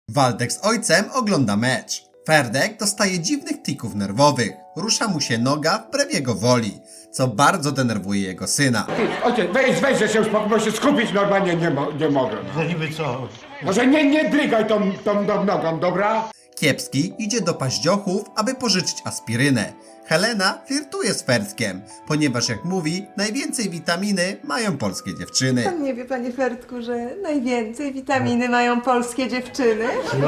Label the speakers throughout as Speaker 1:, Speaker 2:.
Speaker 1: Waldek z ojcem ogląda mecz. Ferdek dostaje dziwnych tików nerwowych. Rusza mu się noga wbrew jego woli, co bardzo denerwuje jego syna.
Speaker 2: Ojciec, weź, że się uspokój, bo się skupić normalnie nie mogę.
Speaker 3: No niby co?
Speaker 2: Może nie drygaj tą nogą, dobra?
Speaker 1: Kiepski idzie do paździochów, aby pożyczyć aspirynę. Helena flirtuje z Ferdkiem, ponieważ jak mówi, najwięcej witaminy mają polskie dziewczyny.
Speaker 4: Pan nie wie, panie Ferdku, że najwięcej witaminy mają polskie dziewczyny?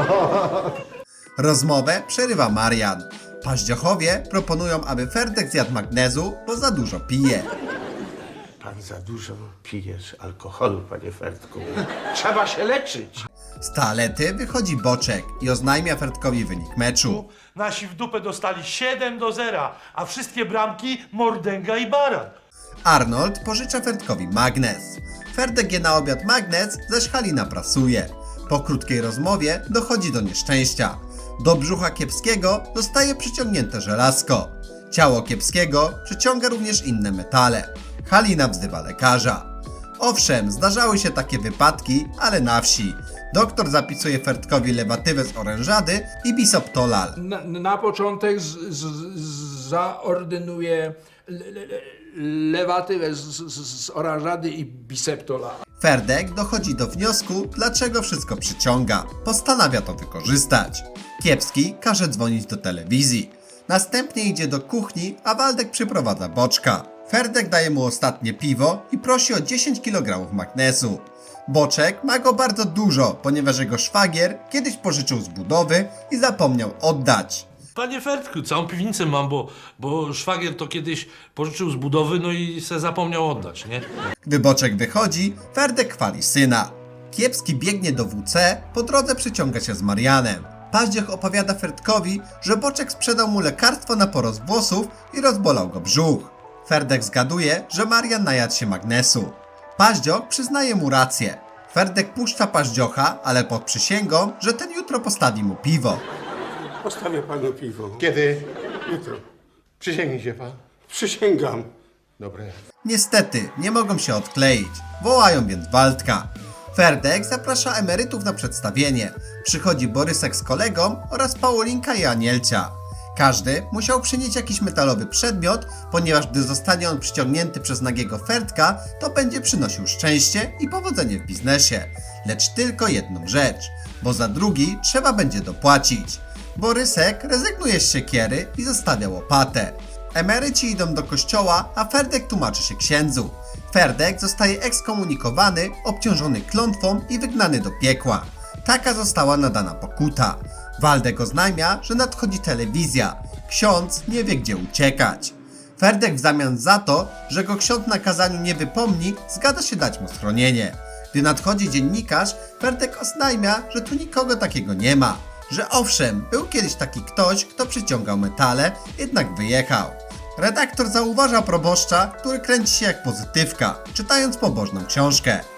Speaker 1: Rozmowę przerywa Marian. Paździochowie proponują, aby Ferdek zjadł magnezu, bo za dużo pije.
Speaker 3: Pan za dużo pijesz alkoholu, panie Ferdku. Trzeba się leczyć.
Speaker 1: Z toalety wychodzi Boczek i oznajmia Ferdkowi wynik meczu.
Speaker 5: Nasi w dupę dostali 7-0, a wszystkie bramki Mordęga i Baran.
Speaker 1: Arnold pożycza Ferdkowi magnes. Ferdek je na obiad magnes, zaś Halina prasuje. Po krótkiej rozmowie dochodzi do nieszczęścia. Do brzucha Kiepskiego zostaje przyciągnięte żelazko. Ciało Kiepskiego przyciąga również inne metale. Halina wzywa lekarza. Owszem, zdarzały się takie wypadki, ale na wsi. Doktor zapisuje Ferdkowi lewatywę z orężady i bisoptolal.
Speaker 6: Na początek zaordynuję lewatywę z oranżady i biseptola.
Speaker 1: Ferdek dochodzi do wniosku, dlaczego wszystko przyciąga. Postanawia to wykorzystać. Kiepski każe dzwonić do telewizji. Następnie idzie do kuchni, a Waldek przyprowadza Boczka. Ferdek daje mu ostatnie piwo i prosi o 10 kg magnezu. Boczek ma go bardzo dużo, ponieważ jego szwagier kiedyś pożyczył z budowy i zapomniał oddać.
Speaker 5: Panie Ferdku, całą piwnicę mam, bo szwagier to kiedyś pożyczył z budowy, no i se zapomniał oddać, nie?
Speaker 1: Gdy Boczek wychodzi, Ferdek chwali syna. Kiepski biegnie do WC, po drodze przyciąga się z Marianem. Paździoch opowiada Ferdkowi, że Boczek sprzedał mu lekarstwo na porost włosów i rozbolał go brzuch. Ferdek zgaduje, że Marian najadł się magnesu. Paździoch przyznaje mu rację. Ferdek puszcza Paździocha, ale pod przysięgą, że ten jutro postawi mu piwo.
Speaker 3: Postawię panu piwo.
Speaker 2: Kiedy?
Speaker 3: Jutro.
Speaker 2: Przysięgnij się pan.
Speaker 3: Przysięgam.
Speaker 2: Dobre.
Speaker 1: Niestety, nie mogą się odkleić. Wołają więc Waldka. Ferdek zaprasza emerytów na przedstawienie. Przychodzi Borysek z kolegą oraz Paulinka i Anielcia. Każdy musiał przynieść jakiś metalowy przedmiot, ponieważ gdy zostanie on przyciągnięty przez nagiego Ferdka, to będzie przynosił szczęście i powodzenie w biznesie. Lecz tylko jedną rzecz, bo za drugi trzeba będzie dopłacić. Borysek rezygnuje z siekiery i zostawia łopatę. Emeryci idą do kościoła, a Ferdek tłumaczy się księdzu. Ferdek zostaje ekskomunikowany, obciążony klątwą i wygnany do piekła. Taka została nadana pokuta. Waldek oznajmia, że nadchodzi telewizja. Ksiądz nie wie, gdzie uciekać. Ferdek w zamian za to, że go ksiądz na kazaniu nie wypomni, zgadza się dać mu schronienie. Gdy nadchodzi dziennikarz, Ferdek oznajmia, że tu nikogo takiego nie ma. Że owszem, był kiedyś taki ktoś, kto przyciągał metale, jednak wyjechał. Redaktor zauważa proboszcza, który kręci się jak pozytywka, czytając pobożną książkę.